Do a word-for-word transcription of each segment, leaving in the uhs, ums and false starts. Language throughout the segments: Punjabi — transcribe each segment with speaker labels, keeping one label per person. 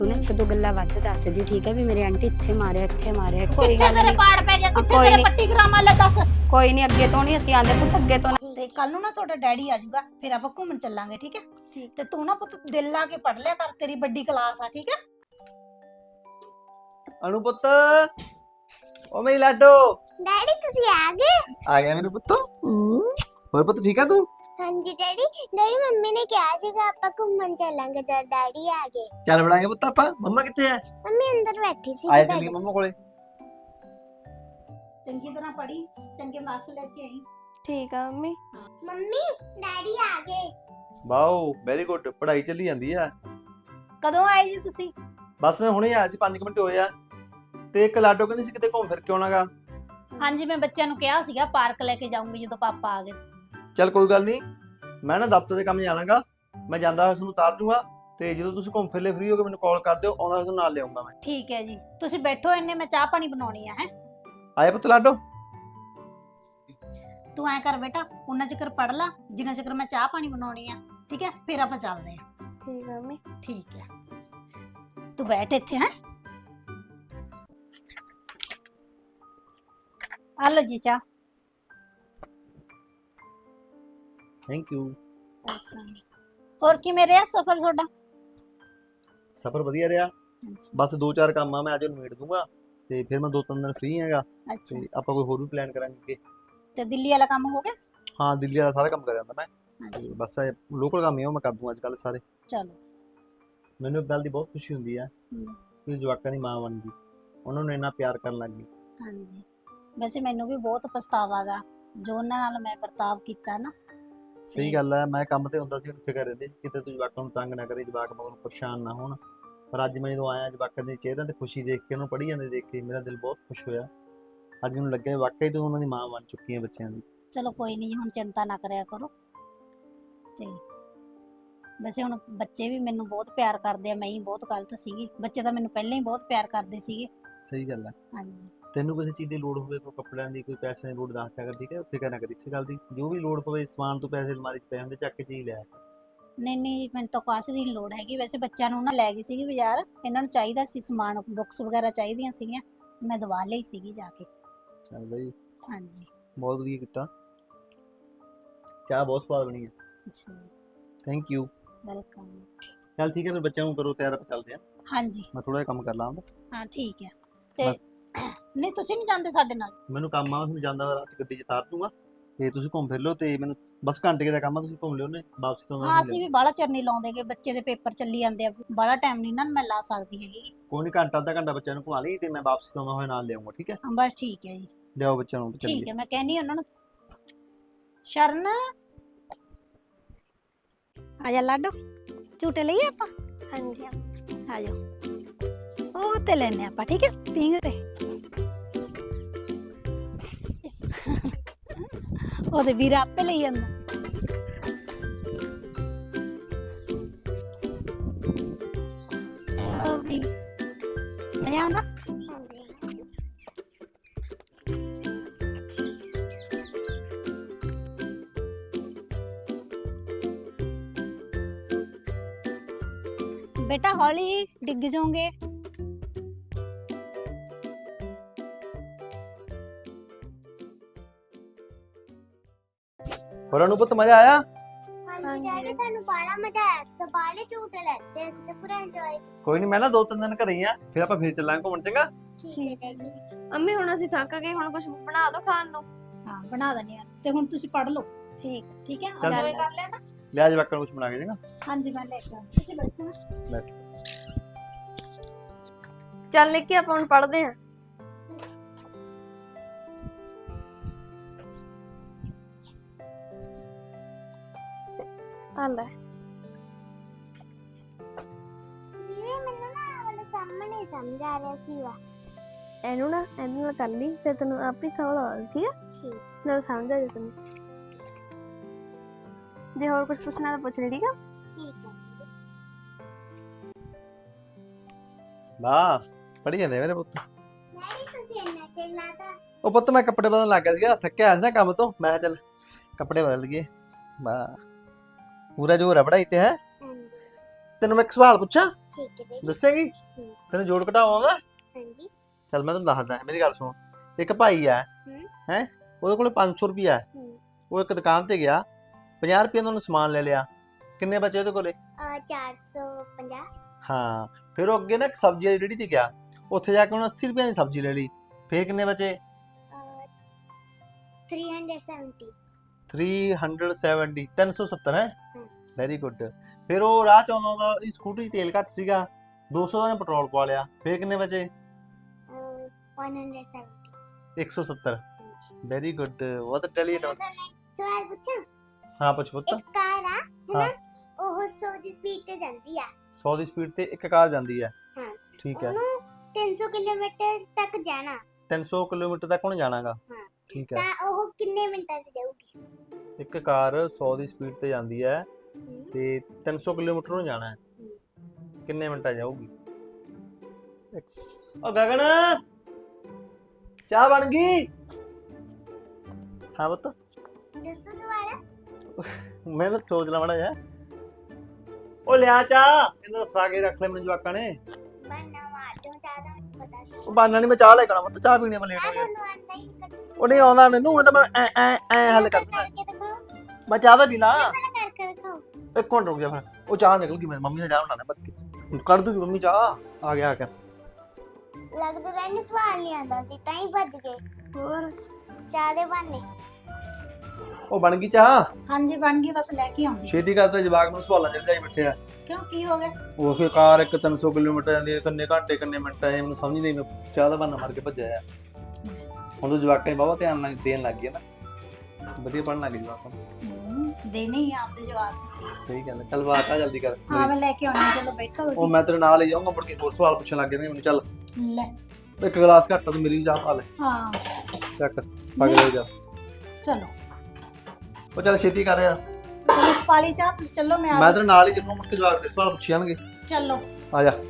Speaker 1: ਤੂੰ ਨਾ ਇੱਕ ਦੋ ਗੱਲਾਂ ਵੱਧ ਦੱਸ ਦੀ ਠੀਕ ਹੈ ਵੀ ਮੇਰੇ ਆਂਟੀ ਇੱਥੇ ਮਾਰਿਆ ਇੱਥੇ ਮਾਰਿਆ ਕੋਈ
Speaker 2: ਕਿੱਥੇ
Speaker 1: ਗੱਲ
Speaker 2: ਤੇਰੇ
Speaker 1: ਨਹੀਂ
Speaker 2: ਪਾੜ ਪੈ ਗਿਆ ਕਿੱਥੇ
Speaker 1: ਕੋਈ
Speaker 2: ਤੇਰੇ
Speaker 1: ਨੀ।
Speaker 2: ਪੱਟੀ ਕਰਾਵਾਂ ਲੈ ਦੱਸ।
Speaker 1: ਕੋਈ ਨਹੀਂ ਅੱਗੇ ਤੋਂ ਨਹੀਂ ਅਸੀਂ ਆਂਦੇ ਪੁੱਤ ਅੱਗੇ ਤੋਂ ਨਾ
Speaker 2: ਤੇ ਕੱਲ ਨੂੰ ਨਾ ਤੁਹਾਡਾ ਡੈਡੀ ਆ ਜਾਊਗਾ ਫਿਰ ਆਪਾਂ ਘੁੰਮਣ ਚੱਲਾਂਗੇ ਠੀਕ ਹੈ ਤੇ ਤੂੰ ਨਾ ਪੁੱਤ ਦਿਲ ਲਾ ਕੇ ਪੜ ਲਿਆ ਕਰ ਤੇਰੀ ਵੱਡੀ ਕਲਾਸ ਆ ਠੀਕ ਹੈ।
Speaker 3: ਅਨੂ ਪੁੱਤ ਓ ਮੇਰੀ ਲਾਡੋ
Speaker 4: ਡੈਡੀ ਤੁਸੀਂ ਆ ਗਏ?
Speaker 3: ਆ ਗਿਆ ਮੇਰੇ ਪੁੱਤ ਹੋਰ ਪੁੱਤ ਠੀਕ ਆ ਤੂੰ
Speaker 4: ਹਾਂਜੀ ਡੈਡੀ ਡੈਡੀ ਮੰਮੀ ਨੇ ਕਿਹਾ ਸੀਗਾ ਆਪਾਂ ਘੁੰਮਣ ਚੱਲਾਂਗੇ ਜਦ ਡੈਡੀ ਆ ਗਏ।
Speaker 3: ਚੱਲ ਬੜਾਂਗੇ ਪੁੱਤ ਆਪਾਂ ਮੰਮਾ ਕਿੱਥੇ ਆ
Speaker 4: ਮੰਮੀ ਅੰਦਰ ਬੈਠੀ ਸੀ।
Speaker 3: ਆਏ ਚੱਲੀਏ ਮੰਮਾ ਕੋਲੇ
Speaker 2: ਚੰਗੀ ਤਰ੍ਹਾਂ ਪੜੀ ਚੰਗੇ ਮਾਰਕਸ ਲੈ ਕੇ ਆਈ।
Speaker 1: ਠੀਕ ਆ ਮੰਮੀ
Speaker 4: ਮੰਮੀ ਡੈਡੀ ਆ ਗਏ।
Speaker 3: ਵਾਓ ਵੈਰੀ ਗੁੱਡ ਪੜ੍ਹਾਈ ਚੱਲੀ ਜਾਂਦੀ ਆ।
Speaker 2: ਕਦੋਂ ਆਏ ਜੀ ਤੁਸੀਂ?
Speaker 3: ਬਸ ਮੈਂ ਹੁਣੇ ਆਇਆ ਸੀ ਪੰਜ ਮਿੰਟ ਹੋਏ ਆ ਤੇ ਇੱਕ ਲਾਡੋ ਕਹਿੰਦੀ ਸੀ ਕਿਤੇ ਘੁੰਮ ਫਿਰ ਕੇ ਆਉਣਾਗਾ।
Speaker 2: ਹਾਂਜੀ ਮੈਂ ਬੱਚਿਆਂ ਨੂੰ ਕਿਹਾ ਸੀਗਾ ਪਾਰਕ ਲੈ ਕੇ ਜਾਊਂਗੀ ਜਦੋਂ ਪਾਪਾ ਆ ਗਏ।
Speaker 3: ਚੱਲ ਕੋਈ ਗੱਲ ਨਹੀਂ ਮੈਂ ਨਾ ਦਫ਼ਤਰ ਦੇ ਕੰਮ ਜਾਣਾਗਾ ਮੈਂ ਜਾਂਦਾ ਹੋਇਆ ਤੁਹਾਨੂੰ ਉਤਾਰ ਦੂੰਗਾ ਤੇ ਜਦੋਂ ਤੁਸੀਂ ਘੁੰਮ ਫਿਰ ਲੈ ਫ੍ਰੀ ਹੋ ਕੇ ਮੈਨੂੰ ਕਾਲ ਕਰ ਦਿਓ ਆਉਂਦਾ ਤੁਹਾਨੂੰ ਨਾਲ ਲਿਆਉਂਗਾ ਮੈਂ।
Speaker 2: ਠੀਕ ਹੈ ਜੀ ਤੁਸੀਂ ਬੈਠੋ ਇੰਨੇ ਮੈਂ ਚਾਹ ਪਾਣੀ ਬਣਾਉਣੀ ਆ ਹੈ।
Speaker 3: ਆਏ ਪੁੱਤ ਲਾਡੋ
Speaker 2: ਤੂੰ ਐ ਕਰ ਬੇਟਾ ਉਹਨਾਂ ਚਿਕਰ ਪੜ ਲਾ ਜਿੰਨਾ ਚਿਕਰ ਮੈਂ ਚਾਹ ਪਾਣੀ ਬਣਾਉਣੀ ਆ ਠੀਕ ਹੈ ਫਿਰ ਆਪਾਂ ਚੱਲਦੇ ਆ।
Speaker 1: ਠੀਕ ਆ ਮੰਮੀ
Speaker 2: ਠੀਕ ਹੈ ਤੂੰ ਬੈਠ ਇੱਥੇ ਹੈ। ਆ ਲੋ ਜੀ ਚਾਹ।
Speaker 3: Thank you.
Speaker 2: ਹੋਰ ਕੀ ਰਿਹਾ ਸਫ਼ਰ ਤੁਹਾਡਾ?
Speaker 3: ਸਫ਼ਰ ਵਧੀਆ ਰਿਹਾ ਬਸ ਦੋ ਚਾਰ ਕੰਮ ਆ ਮੈਂ ਅੱਜ ਨਿਬੇੜ ਦੂੰਗਾ ਤੇ ਫਿਰ ਮੈਂ ਦੋ ਤਿੰਨ ਦਿਨ ਫ੍ਰੀ ਹੈਗਾ
Speaker 2: ਅੱਛਾ
Speaker 3: ਤੇ ਆਪਾਂ ਕੋਈ ਹੋਰ ਵੀ ਪਲਾਨ ਕਰਾਂਗੇ।
Speaker 2: ਤੇ ਦਿੱਲੀ ਵਾਲਾ ਕੰਮ ਹੋ ਗਿਆ?
Speaker 3: ਹਾਂ ਦਿੱਲੀ ਵਾਲਾ ਸਾਰਾ ਕੰਮ ਕਰ ਜਾਂਦਾ ਮੈਂ
Speaker 2: ਅੱਛਾ
Speaker 3: ਤੇ ਬਸ ਲੋਕਲ ਕੰਮ ਹੀ ਆ ਉਹ ਮੈਂ ਕਰ ਦੂੰਗਾ ਅੱਜ ਕੱਲ ਸਾਰੇ।
Speaker 2: ਚਲੋ
Speaker 3: ਮੈਨੂੰ ਇੱਕ ਗੱਲ ਦੀ ਬਹੁਤ ਖੁਸ਼ੀ ਹੁੰਦੀ ਆ
Speaker 2: ਹਮ,
Speaker 3: ਕਿ ਜਵਾਕਾਂ ਦੀ ਮਾਂ ਬਣ ਗਈ ਉਹਨਾਂ ਨੂੰ ਇੰਨਾ ਪਿਆਰ ਕਰਨ ਲੱਗ ਗਈ।
Speaker 2: ਹਾਂਜੀ ਵੈਸੇ ਮੈਨੂੰ ਵੀ ਬਹੁਤ ਪਛਤਾਵਾ ਗਾ ਜੋ ਉਹਨਾਂ ਨਾਲ ਮੈਂ ਵਰਤਾਵ ਕੀਤਾ ਨਾ।
Speaker 3: ਸਹੀ ਗੱਲ ਹੈ ਮੈਂ ਕੰਮ ਤੇ ਹੁੰਦਾ ਸੀ ਮੈਨੂੰ ਫਿਕਰ ਰਹਿੰਦੀ ਸੀ ਕਿਤੇ ਤੂੰ ਜਵਾਕਾਂ ਨੂੰ ਤੰਗ ਨਾ ਕਰੇ ਜਵਾਕ ਮਗਰੋਂ ਪਰੇਸ਼ਾਨ ਨਾ ਹੋਣ ਪਰ ਅੱਜ ਮੈਂ ਜਦੋਂ ਆਇਆ ਜਵਾਕਾਂ ਦੇ ਚਿਹਰਿਆਂ ਤੇ ਖੁਸ਼ੀ ਦੇਖ ਕੇ ਉਹਨੂੰ ਪੜ੍ਹੀ ਜਾਂਦੇ ਦੇਖ ਕੇ ਮੇਰਾ ਦਿਲ ਬਹੁਤ ਖੁਸ਼ ਹੋਇਆ। ਅੱਜ ਮੈਨੂੰ ਲੱਗਿਆ ਵਾਕਈ ਤੂੰ ਉਹਨਾਂ ਦੀ ਮਾਂ ਬਣ ਚੁੱਕੀ ਹੈ ਬੱਚਿਆਂ ਦੀ।
Speaker 2: ਚਲੋ ਕੋਈ ਨਹੀਂ ਹੁਣ ਚਿੰਤਾ ਨਾ ਕਰਿਆ ਕਰੋ। ਤੇ ਵੈਸੇ ਹੁਣ ਬੱਚੇ ਵੀ ਮੈਨੂੰ ਬਹੁਤ ਪਿਆਰ ਕਰਦੇ ਆ ਮੈਂ ਹੀ ਬਹੁਤ ਗਲਤ ਸੀਗੀ ਬੱਚੇ ਤਾਂ ਮੈਨੂੰ ਪਹਿਲਾਂ ਹੀ ਬਹੁਤ ਪਿਆਰ ਕਰਦੇ ਸੀਗੇ।
Speaker 3: ਸਹੀ ਗੱਲ ਹੈ।
Speaker 2: ਹਾਂਜੀ
Speaker 3: ਤੈਨੂੰ ਕਿਸੇ ਚੀਜ਼ ਦੀ ਲੋੜ ਹੋਵੇ ਕੋਈ ਕੱਪੜਿਆਂ ਦੀ ਕੋਈ ਪੈਸਿਆਂ ਦੀ ਲੋੜ ਦੱਸ ਦਿਆ ਕਰ ਠੀਕ ਹੈ ਫਿਕਰ ਨਾ ਕਰੀ ਇਸ ਗੱਲ ਦੀ ਜੋ ਵੀ ਲੋੜ ਪਵੇ ਸਮਾਨ ਤੋਂ ਪੈਸੇ ਅਲਮਾਰੀ 'ਚ ਪਏ ਹੁੰਦੇ ਚੱਕ ਕੇ ਚੀਜ਼ ਲੈ।
Speaker 2: ਨਹੀਂ ਨਹੀਂ ਮੈਨੂੰ ਤਾਂ ਕਾਸੇ ਦੀ ਲੋੜ ਹੈਗੀ ਵੈਸੇ ਬੱਚਿਆਂ ਨੂੰ ਨਾ ਲੈ ਗਈ ਸੀਗੀ ਬਾਜ਼ਾਰ ਇਹਨਾਂ ਨੂੰ ਚਾਹੀਦਾ ਸੀ ਸਮਾਨ ਬੁੱਕਸ ਵਗੈਰਾ ਚਾਹੀਦੀਆਂ ਸੀਗੀਆਂ ਮੈਂ ਦਵਾ ਲਈ ਸੀਗੀ ਜਾ ਕੇ।
Speaker 3: ਚੱਲ ਬਈ
Speaker 2: ਹਾਂਜੀ
Speaker 3: ਬਹੁਤ ਵਧੀਆ ਕੀਤਾ ਚਾਹ ਬਹੁਤ ਸਵਾਦ ਬਣੀ ਹੈ।
Speaker 2: ਅੱਛਾ
Speaker 3: ਥੈਂਕ ਯੂ।
Speaker 2: ਵੈਲਕਮ।
Speaker 3: ਚੱਲ ਠੀਕ ਹੈ ਫਿਰ ਬੱਚਿਆਂ ਨੂੰ ਕਰੋ ਤਿਆਰ ਆਪਾਂ ਚੱਲਦੇ ਹਾਂ
Speaker 2: ਹਾਂਜੀ
Speaker 3: ਮੈਂ ਥੋੜਾ ਜਿਹਾ ਕੰਮ ਕਰ ਲਾਂ
Speaker 2: ਹਾਂ ਠੀਕ ਹੈ ਤੇ ਨਹੀਂ ਤੁਸੀਂ ਨਹੀਂ ਜਾਂਦੇ ਸਾਡੇ ਨਾਲ?
Speaker 3: ਮੈਨੂੰ ਕੰਮ ਆ ਮੈਂ ਜਾਂਦਾ ਹੋਇਆ ਰਾਤ 'ਚ ਗੱਡੀ 'ਚ ਤਾਰ ਦੂੰਗਾ ਤੇ ਤੁਸੀਂ ਘੁੰਮ ਫਿਰ ਲਓ ਤੇ ਮੈਨੂੰ ਬਸ ਘੰਟੇ ਕੁ ਦਾ ਕੰਮ ਆ ਤੁਸੀਂ ਘੁੰਮ ਲਿਓ ਨੇ ਵਾਪਸੀ ਤੋਂ
Speaker 2: ਹਾਂ ਅਸੀਂ ਵੀ ਬਾਹਲਾ ਚਿਰ ਨਹੀਂ ਲਾਉਂਦੇਗੇ ਬੱਚੇ ਦੇ ਪੇਪਰ ਚੱਲੀ ਜਾਂਦੇ ਆ ਬਾਹਲਾ ਟਾਈਮ ਨਹੀਂ ਨਾ ਮੈਂ ਲਾ ਸਕਦੀ ਹੈਗੀ।
Speaker 3: ਕੋਈ ਨਹੀਂ ਘੰਟਾ ਅੱਧਾ ਘੰਟਾ ਬੱਚਿਆਂ ਨੂੰ ਘੁਮਾ ਲਈ ਤੇ ਮੈਂ ਵਾਪਸੀ ਤੋਂ ਆਉਂਦਾ ਹੋਇਆ ਨਾਲ ਲਿਆਉਂਗਾ ਠੀਕ ਹੈ।
Speaker 2: ਹਾਂ ਬਸ ਠੀਕ ਹੈ ਜੀ
Speaker 3: ਲਿਆਓ ਬੱਚਿਆਂ ਨੂੰ
Speaker 2: ਠੀਕ ਹੈ ਮੈਂ ਕਹਿੰਦੀ ਉਹਨਾਂ ਨੂੰ ਸ਼ਰਨ ਆ ਜਾ ਲਾਡੋ ਝੂਟੇ ਲਈਏ ਆਪਾਂ?
Speaker 4: ਹਾਂਜੀ
Speaker 2: ਆ ਜਾਓ ਉਹ ਤੇ ਲੈਣੇ ਆਪਾਂ ਠੀਕ ਹੈ ਪਿੰਗ ਤੇ ਉਹਦੇ ਵੀਰ ਆਪੇ ਲਈ ਜਾਂਦਾ। ਉਹ ਵੀ ਆ ਨਾ बेटा हौली डिग जाओगे।
Speaker 3: ਹੋਰਾਂ ਨੂੰ ਪੁੱਤ ਮਜ਼ਾ ਆਇਆ?
Speaker 4: ਹਾਂਜੀ ਡੈਡੀ ਤੁਹਾਨੂੰ ਬੜਾ ਮਜ਼ਾ ਆਇਆ ਸੀ ਬਾਲੇ ਝੂਟੇ ਲੈਤੇ ਅਸੀਂ ਤਾਂ ਪੂਰਾ ਇੰਜੋਏ।
Speaker 3: ਕੋਈ ਨਹੀਂ ਮੈਂ ਨਾ ਦੋ ਤਿੰਨ ਦਿਨ ਘਰੇ ਹੀ ਆ ਫਿਰ ਆਪਾਂ ਫਿਰ ਚੱਲਾਂਗੇ ਘੁੰਮਣ ਚੰਗਾ।
Speaker 4: ਠੀਕ ਹੈ ਡੈਡੀ।
Speaker 1: ਅੰਮੀ ਹੁਣ ਅਸੀਂ ਥੱਕ ਗਏ ਹੁਣ ਕੁਝ ਬਣਾ ਦਿਓ ਖਾਣ ਨੂੰ।
Speaker 2: हाँ बना देने हैं ते हुन तुसी पढ़ लो
Speaker 1: ठीक
Speaker 2: ठीक है
Speaker 3: चल।
Speaker 2: एंजॉय कर लेना।
Speaker 3: ਲਿਆ ਜਵਾਕਾਂ ਨੂੰ ਕੁਝ ਬਣਾ ਕੇ ਚੰਗਾ।
Speaker 2: हाँ जी मैं लेके आऊं तुसी बैठो ना।
Speaker 3: ਬੈਠ
Speaker 1: ਚੱਲ ਨਿੱਕੀ ਆਪਾਂ ਹੁਣ ਪੜ੍ਹਦੇ ਆਂ। ਆ ਲੈ
Speaker 4: ਵੀਰੇ ਮੈਨੂੰ ਨਾ ਆਹ ਵਾਲਾ ਸਾਹਮਣੇ ਸਮਝ ਆ ਰਿਹਾ ਸੀ ਵਾ।
Speaker 1: ਇਹਨੂੰ ਨਾ ਇਹਨੂੰ ਨਾਲ ਕਰ ਲਈ ਫਿਰ ਤੈਨੂੰ ਆਪੇ ਸਮਝ ਆ ਜਾਊ ਠੀਕ ਹੈ
Speaker 4: ਠੀਕ
Speaker 1: ਨਾ ਸਮਝ ਆ ਜਾ ਤੈਨੂੰ ਜੇ ਹੋਰ ਕੁਝ ਪੁੱਛਣਾ ਤਾਂ ਪੁੱਛ ਲੈ ਠੀਕ ਹੈ।
Speaker 4: ਠੀਕ ਹੈ
Speaker 3: ਵਾਹ ਪੜੀ ਜਾਂਦੇ ਮੇਰੇ ਪੁੱਤ।
Speaker 4: ਡੈਡੀ ਤੁਸੀਂ ਇੰਨਾ ਚਿਲਾਤਾ।
Speaker 3: ਉਹ ਪੁੱਤ ਮੈਂ ਕੱਪੜੇ ਬਦਲਣ ਲੱਗ ਗਿਆ ਸੀਗਾ ਥੱਕਿਆ ਆਇਆ ਸੀ ਨਾ ਕੰਮ ਤੋਂ ਮੈਂ ਕਿਹਾ ਚੱਲ ਕੱਪੜੇ ਬਦਲ ਗਏ ਵਾਹ ਪੂਰਾ ਜੋਰ ਹੈ ਪੜਾਈ ਤੇ ਹੈ।
Speaker 4: ਹਾਂਜੀ
Speaker 3: ਤੈਨੂੰ ਮੈਂ ਇੱਕ ਸਵਾਲ ਪੁੱਛਾਂ?
Speaker 4: ਠੀਕ ਹੈ ਡੈਡੀ।
Speaker 3: ਦੱਸੇਗੀ?
Speaker 4: ਹੂੰ।
Speaker 3: ਤੈਨੂੰ ਜੋੜ ਘਟਾਓ ਆਉਂਦਾ?
Speaker 4: ਹਾਂਜੀ।
Speaker 3: ਚੱਲ ਮੈਂ ਤੈਨੂੰ ਦੱਸਦਾ, ਮੇਰੀ ਗੱਲ ਸੁਣ। ਇੱਕ ਭਾਈ ਆ
Speaker 4: ਹੂੰ।
Speaker 3: ਹੈ, ਉਹਦੇ ਕੋਲ ਪੰਜ ਸੌ ਰੁਪਿਆ ਹੈ।
Speaker 4: ਹੂੰ।
Speaker 3: ਉਹ ਇੱਕ ਦੁਕਾਨ ਤੇ ਗਿਆ, ਪੰਜਾਹ ਰੁਪਏ ਦਾ ਉਹਨੇ ਸਮਾਨ ਲੈ ਲਿਆ। ਕਿੰਨੇ ਬਚੇ ਉਹਦੇ ਕੋਲੇ?
Speaker 4: ਅਹ ਚਾਰ ਸੌ ਪੰਜਾਹ।
Speaker 3: ਹਾਂ, ਫਿਰ ਉਹ ਅੱਗੇ ਨਾ ਇੱਕ ਸਬਜ਼ੀ ਵਾਲੀ ਰੇਹੜੀ ਤੇ ਗਿਆ, ਉੱਥੇ ਜਾ ਕੇ ਉਹਨੇ ਅੱਸੀ ਰੁਪਏ ਦੀ ਸਬਜ਼ੀ ਲੈ ਲਈ। ਫਿਰ ਕਿੰਨੇ ਬਚੇ?
Speaker 4: ਅਹ ਤਿੰਨ ਸੌ ਸੱਤਰ।
Speaker 3: ਤਿੰਨ ਸੌ ਸੱਤਰ, ਤਿੰਨ ਸੌ ਸੱਤਰ ਹੈ।
Speaker 4: ਹੂੰ।
Speaker 3: Very good. ਫਿਰ ਉਹ ਰਾਹ ਚ ਆਉਂਦਾ ਆਉਂਦਾ ਉਹਦੀ ਸਕੂਟਰੀ 'ਚ ਤੇਲ ਘੱਟ ਸੀਗਾ, ਦੋ ਸੌ ਦਾ ਉਹਨੇ ਪੈਟਰੋਲ ਪਵਾ ਲਿਆ। ਫਿਰ ਕਿੰਨੇ ਬਚੇ?
Speaker 4: ਅਹ ਇੱਕ ਸੌ ਸੱਤਰ।
Speaker 3: ਇੱਕ ਸੌ ਸੱਤਰ।
Speaker 4: ਹਾਂਜੀ।
Speaker 3: ਵੈਰੀ ਗੁੱਡ, ਬਹੁਤ ਇੰਟੈਲੀਜੈਂਟ
Speaker 4: ਮੈਂ
Speaker 3: ਹੋ।
Speaker 4: ਤੁਹਾਨੂੰ ਇੱਕ ਸਵਾਲ ਪੁੱਛਾਂ?
Speaker 3: ਹਾਂ ਪੁੱਛ ਪੁੱਤ।
Speaker 4: ਇੱਕ ਕਾਰ ਆ
Speaker 3: ਹਾਂ।
Speaker 4: ਹੈਨਾ, ਉਹ ਸੌ ਦੀ ਸਪੀਡ ਤੇ ਜਾਂਦੀ ਆ।
Speaker 3: ਸੌ ਦੀ ਸਪੀਡ ਤੇ ਇੱਕ ਕਾਰ ਜਾਂਦੀ ਹੈ।
Speaker 4: ਹਾਂ।
Speaker 3: ਠੀਕ ਹੈ।
Speaker 4: ਉਹਨੂੰ ਤਿੰਨ ਸੌ ਕਿਲੋਮੀਟਰ ਤੱਕ ਜਾਣਾ
Speaker 3: ਤਿੰਨ ਸੌ ਕਿਲੋਮੀਟਰ ਤੱਕ ਉਹਨੇ ਜਾਣਾਗਾ।
Speaker 4: ਹਾਂ।
Speaker 3: ਠੀਕ ਹੈ।
Speaker 4: ਤਾਂ ਉਹ ਕਿੰਨੇ ਮਿੰਟਾਂ 'ਚ ਜਾਊਗੀ?
Speaker 3: ਇੱਕ ਕਾਰ ਸੌ ਦੀ ਸਪੀਡ ਤੇ ਜਾਂਦੀ ਹੈ
Speaker 4: ਹੂੰ।
Speaker 3: ਤੇ ਤਿੰਨ ਸੌ ਕਿਲੋਮੀਟਰ ਨੂੰ ਜਾਣਾ ਹੈ।
Speaker 4: ਹੂੰ।
Speaker 3: ਕਿੰਨੇ ਮਿੰਟਾਂ 'ਚ ਜਾਊਗੀ? ਓ ਗਗਨ, ਚਾਹ ਬਣ ਗਈ? ਹਾਂ ਪੁੱਤ,
Speaker 4: ਦੱਸੋ ਸਵਾਲ।
Speaker 3: ਮੈਂ ਨਾ ਸੋਚ ਲਾ ਮੜਾ ਜਾ। ਉਹ ਲਿਆ ਚਾਹ, ਇਹਨੂੰ ਫਸਾ ਕੇ ਰੱਖ ਲੈ ਮੈਨੂੰ ਜਵਾਕਾਂ ਨੇ।
Speaker 4: ਬੰਨਾ ਮਾਰ ਦਿਓ, ਚਾਹ ਦਾ ਮੈਨੂੰ ਪਤਾ ਸੀ।
Speaker 3: ਉਹ ਬਾਨਾ ਨਹੀਂ, ਮੈਂ ਚਾਹ ਲੈ ਕੇ ਆਉਣਾ ਪੁੱਤ, ਚਾਹ ਪੀਣੀ ਮੈਂ ਲੇਟ
Speaker 4: ਮੈਂ
Speaker 3: ਹੋ ਗਿਆ।
Speaker 4: ਤੁਹਾਨੂੰ ਆਂਦਾ ਹੀ ਨਹੀਂ ਕਦੇ।
Speaker 3: ਉਹ ਨਹੀਂ ਆਉਂਦਾ ਮੈਨੂੰ, ਉਹ ਤਾਂ ਮੈਂ ਐ ਐ ਐ ਹੱਲ ਕਰ ਦਿੰਦਾ।
Speaker 4: ਕਰਕੇ ਦਿਖਾਓ।
Speaker 3: ਮੈਂ ਚਾਹ ਦਾ ਪੀ ਲਾਂ।
Speaker 4: ਪਹਿਲਾਂ ਕਰਕੇ ਦਿਖਾਓ।
Speaker 3: ਇੱਕ ਮਿੰਟ ਰੁਕ ਜਾ ਫਿਰ। ਉਹ ਚਾਹ ਨਿਕਲ ਗਈ, ਮੇਰੀ ਮੰਮੀ ਨੇ ਚਾਹ ਬਣਾਣਾ ਬੱਤ ਕੇ ਕੱਢ ਦੂਗੀ ਮੰਮੀ ਚਾਹ। ਆ ਗਿਆ ਆ ਗਿਆ।
Speaker 4: ਲੱਗਦਾ ਤੈਨੂੰ ਸਵਾਲ ਨਹੀਂ ਆਉਂਦਾ ਸੀ ਤਾਂ ਹੀ ਭੱਜ ਗਏ।
Speaker 1: ਹੋਰ
Speaker 4: ਚਾਹ ਦੇ ਬਹਾਨੇ।
Speaker 3: ਉਹ ਬਣ ਗਈ ਚਾਹ?
Speaker 2: ਹਾਂਜੀ ਬਣ ਗਈ, ਬਸ ਲੈ ਕੇ ਆਉਂਦੀ।
Speaker 3: ਛੇਤੀ ਕਰਦਾ, ਜਵਾਕ ਨੂੰ ਸਵਾਲਾਂ ਚ ਜਾਈ ਬੈਠੇ ਆ।
Speaker 2: ਕਿਉਂ, ਕੀ ਹੋ ਗਿਆ?
Speaker 3: ਉਹ ਫਿਰ ਕਾਰ ਇੱਕ ਤਿੰਨ ਸੌ ਕਿਲੋਮੀਟਰ ਜਾਂਦੀ ਹੈ, ਕਿੰਨੇ ਘੰਟੇ ਕਿੰਨੇ ਮਿੰਟ ਆਏ ਮੈਨੂੰ ਸਮਝ ਨਹੀਂ। ਮੈਂ ਚਾਹ ਦਾ ਬਹਾਨਾ ਮਾਰ ਕੇ ਭੱਜਿਆ ਆ। ਹੁਣ ਤਾਂ ਜਵਾਕਾਂ ਨੇ ਬਹੁਤ ਧਿਆਨ ਨਾਲ ਦੇਣ ਲੱਗ ਗਏ ਨਾ, ਵਧੀਆ ਪੜ੍ਹਨ ਲੱਗ ਗਏ ਜਵਾਕਾਂ ਨੂੰ।
Speaker 2: ਹੂੰ, ਦੇਣੇ ਹੀ ਆ ਆਪਦੇ ਜਵਾਬ।
Speaker 3: ਸਹੀ ਗੱਲ ਹੈ। ਚੱਲ ਬਾਤ ਆ ਜਲਦੀ ਕਰ।
Speaker 2: ਹਾਂ ਮੈਂ ਲੈ ਕੇ ਆਉਣੀ ਆ, ਚਲੋ ਬੈਠੋ
Speaker 3: ਉਹ
Speaker 2: ਤੁਸੀਂ।
Speaker 3: ਮੈਂ ਤੇਰੇ ਨਾਲ ਹੀ ਜਾਊਂਗਾ, ਮੁੜ ਕੇ ਹੋਰ ਸਵਾਲ ਪੁੱਛਣ ਲੱਗ ਜਾਣਗੇ ਮੈਨੂੰ। ਚੱਲ
Speaker 2: ਲੈ।
Speaker 3: ਇੱਕ ਗਲਾਸ ਘੱਟ ਆ, ਤੂੰ ਮੇਰੀ ਵੀ ਚਾਹ ਪਾ ਲੈ।
Speaker 2: ਹਾਂ
Speaker 3: ਚੱਕ ਪਗਲੇ ਜਾ।
Speaker 2: ਚਲੋ
Speaker 3: ਉਹ ਚੱਲ ਛੇਤੀ ਕਰ ਯਾਰ।
Speaker 2: ਚਲੋ ਪਾਲੀ ਚਾਹ, ਤੁਸੀਂ ਚੱਲੋ ਮੈਂ ਆ
Speaker 3: ਮੈਂ ਤੇਰੇ ਨਾਲ ਹੀ ਜਦੋਂ ਮੁੜ ਕੇ ਜਵਾਕ ਦੇ ਸਵਾਲ ਪੁੱਛ ਜਾਣਗੇ।
Speaker 2: ਚੱਲੋ।
Speaker 3: ਆ ਜਾ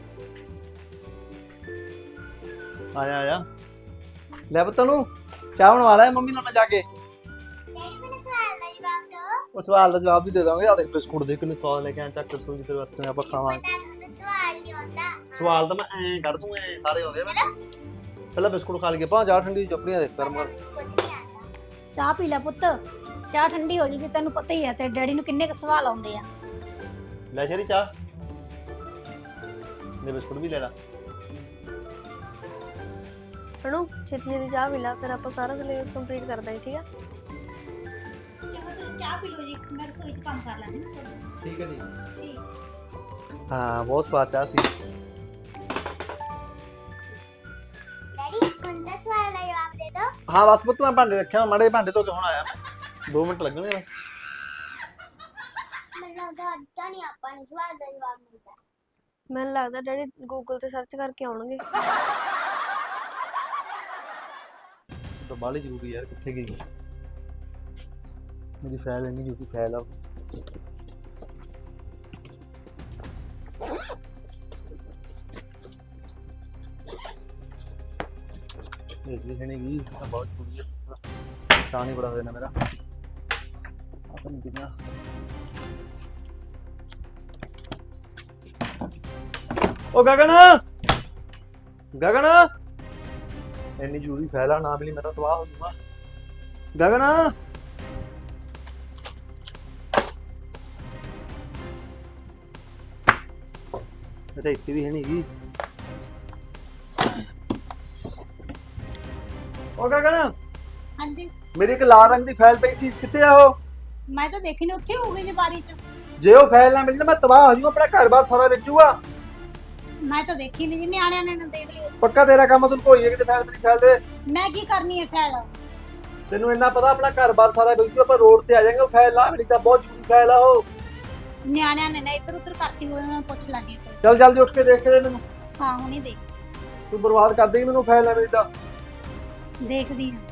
Speaker 3: ਆ ਜਾ ਆ ਜਾ। ਲੈ ਪੁੱਤ ਨੂੰ ਚਾਹ ਬਣਵਾ ਲੈ ਮੰਮੀ ਨਾਲ, ਮੈਂ ਜਾ ਕੇ।
Speaker 4: ਡੈਡੀ ਪਹਿਲਾਂ ਸਵਾਲ ਦਾ ਜਵਾਬ ਦਿਓ।
Speaker 3: ਉਹ ਸਵਾਲ ਦਾ ਜਵਾਬ ਵੀ ਦੇ ਦਾਂਗੇ। ਆ ਦੇਖ ਬਿਸਕੁਟ ਦੇ ਕਿੰਨੇ ਸਵਾਦ ਲੈ ਕੇ ਆਇਆ, ਚੱਕ ਸੂਜੀ ਤੇਰੇ ਵਾਸਤੇ ਆਪਾਂ ਖਾਵਾਂਗੇ।
Speaker 4: ਪਤਾ ਤੁਹਾਨੂੰ ਸਵਾਲ ਨਹੀਂ ਆਉਂਦਾ।
Speaker 3: ਸਵਾਲ ਤਾਂ ਮੈਂ ਐਂ ਕੱਢ ਦੂੰ, ਐਂ ਸਾਰੇ ਆਉਂਦੇ ਆ ਮੈਨੂੰ। ਪਹਿਲਾਂ ਬਿਸਕੁਟ ਖਾ ਲਈਏ, ਪਾ ਚਾਹ ਠੰਡੀ ਚੁੱਪੜੀਆਂ ਦੇ ਗਰਮ ਕਰ।
Speaker 4: ਕੁਝ ਨਹੀਂ ਆਉਂਦਾ।
Speaker 2: ਚਾਹ ਪੀ ਲੈ ਪੁੱਤ, ਚਾਹ ਠੰਡੀ ਹੋ ਜੂਗੀ। ਤੈਨੂੰ ਪਤਾ ਹੀ ਹੈ ਤੇ ਡੈਡੀ ਨੂੰ ਕਿੰਨੇ ਕੁ ਸਵਾਲ ਆਉਂਦੇ ਆ।
Speaker 3: ਲੈ ਸ਼ੇਰੀ ਚਾਹ ਦੇ, ਬਿਸਕੁਟ ਵੀ ਲੈ ਲਾ।
Speaker 1: ਹਣੂ ਛੇਤੀ ਛੇਤੀ ਚਾਹ ਪੀ ਲਾ, ਫਿਰ ਆਪਾਂ ਸਾਰਾ ਸਿਲੇਬਸ ਕੰਪਲੀਟ ਕਰ ਦਾਂਗੇ। ਠੀਕ ਆ?
Speaker 2: ਚੰਗਾ ਤੁਸੀਂ ਚਾਹ ਪੀ ਲਓ ਜੀ, ਮੈਂ ਰਸੋਈ 'ਚ ਕੰਮ ਕਰ ਲਾਂਗੀ।
Speaker 3: ਠੀਕ ਹੈ ਜੀ।
Speaker 2: ਠੀਕ।
Speaker 3: ਹਾਂ ਬਹੁਤ ਸਵਾਦ ਚਾਹ ਸੀ।
Speaker 4: ਡੈਡੀ ਹੁਣ ਦਾ ਸਵਾਲ ਦਾ ਜਵਾਬ ਦੇ ਦਿਓ।
Speaker 3: ਹਾਂ ਬਸ ਪੁੱਤ, ਮੈਂ ਭਾਂਡੇ ਰੱਖਿਆ, ਮਾੜੇ ਭਾਂਡੇ ਧੋ ਕੇ ਹੁਣ ਆਇਆ। ਦੋ ਮਿੰਟ ਲੱਗਣਗੇ ਬਸ।
Speaker 4: ਮੈਨੂੰ ਲੱਗਦਾ ਅੱਜ ਤਾਂ ਨਹੀਂ ਆਪਾਂ ਨੂੰ ਸਵਾਲ ਦਾ ਜਵਾਬ ਮਿਲਦਾ।
Speaker 1: ਮੈਨੂੰ ਲੱਗਦਾ ਡੈਡੀ ਗੂਗਲ ਤੇ ਸਰਚ ਕਰਕੇ ਆਉਣਗੇ।
Speaker 3: ਤਾਂ ਬਾਲੀ ਜ਼ਰੂਰੀ ਯਾਰ, ਕਿੱਥੇ ਗਈ ਮੇਰੀ ਫਾਈਲ? ਇੰਨੀ ਜ਼ਰੂਰੀ ਫਾਈਲ ਆ। ਇਹ ਵੀ ਹੈਗੀ ਤਾਂ ਬਹੁਤ ਜ਼ਰੂਰੀ ਹੈ। ਨੁਕਸਾਨ ਹੀ ਬੜਾ ਹੋ ਜਾਣਾ ਮੇਰਾ। ਆਪਾਂ ਨਹੀਂ ਕਿਹਾ ਉਹ ਗਗਨ ਗਗਨ, ਇੰਨੀ ਜ਼ਰੂਰੀ ਫਾਈਲ ਆ, ਨਾ ਮਿਲੀ ਮੇਰਾ ਤਬਾਹ ਹੋ ਜਾਊਗਾ। ਗਗਨ ਇਹ ਤਾਂ ਇੱਥੇ ਵੀ ਹੈ ਨਹੀਂ ਗੀ। ਉਹ ਗਗਨ,
Speaker 2: ਹਾਂਜੀ
Speaker 3: ਮੇਰੀ ਇੱਕ ਲਾਲ ਰੰਗ ਦੀ ਫਾਈਲ ਪਈ ਸੀ, ਕਿੱਥੇ ਆ ਉਹ?
Speaker 2: ਮੈਂ ਤਾਂ ਦੇਖੀ ਨਹੀਂ, ਉੱਥੇ ਹੋਊਗੀ ਜੀ ਬਾਰੀ 'ਚ।
Speaker 3: ਜੇ ਉਹ ਫਾਈਲ ਨਾ ਮਿਲ ਜਾ ਮੈਂ ਤਬਾਹ ਹੋ ਜਾਊਗਾ, ਆਪਣਾ ਘਰ-ਬਾਰ ਸਾਰਾ ਵਿਕ ਜਾਊਗਾ।
Speaker 2: ਮੈਂ ਤਾਂ ਦੇਖੀ ਨਹੀਂ ਜੀ, ਨਿਆਣਿਆਂ ਨੇ ਨਾ ਦੇਖ ਲਈ।
Speaker 3: ਪੱਕਾ ਤੇਰਾ ਕੰਮ, ਤੈਨੂੰ ਕੋਈ ਹੈ ਕਿਤੇ ਫਾਈਲ ਮੇਰੀ ਫਾਈਲ ਦੇ।
Speaker 2: ਮੈਂ ਕੀ ਕਰਨੀ ਹੈ ਫੈਲ?
Speaker 3: ਤੈਨੂੰ ਇੰਨਾ ਪਤਾ ਆਪਣਾ ਘਰ-ਬਾਰ ਸਾਰਾ ਵਿਕ ਜਾਊ, ਆਪਾਂ ਰੋਡ ਤੇ ਆ ਜਾਵਾਂਗੇ। ਉਹ ਫਾਈਲ ਨਾ ਮਿਲੀ ਤਾਂ ਬਹੁਤ ਜ਼ਰੂਰੀ ਫਾਈਲ ਆ ਉਹ।
Speaker 2: ਨਿਆਣਿਆਂ ਨੇ ਨਾ ਇੱਧਰ ਉੱਧਰ ਕਰਤੀ ਹੋਈ, ਮੈਂ ਪੁੱਛ ਲਾਂਗੀ।
Speaker 3: ਚੱਲ ਜਲਦੀ ਉੱਠ ਕੇ ਦੇਖ ਕੇ ਦੇ ਮੈਨੂੰ।
Speaker 2: ਹਾਂ ਹੁਣੀ ਦੇਖ
Speaker 3: ਤੂੰ ਬਰਬਾਦ ਕਰ ਦੇਗੀ ਮੈਨੂੰ ਫਾਈਲ ਨਾ ਮਿਲੀ ਤਾਂ।
Speaker 2: ਦੇਖਦੀ ਹਾਂ।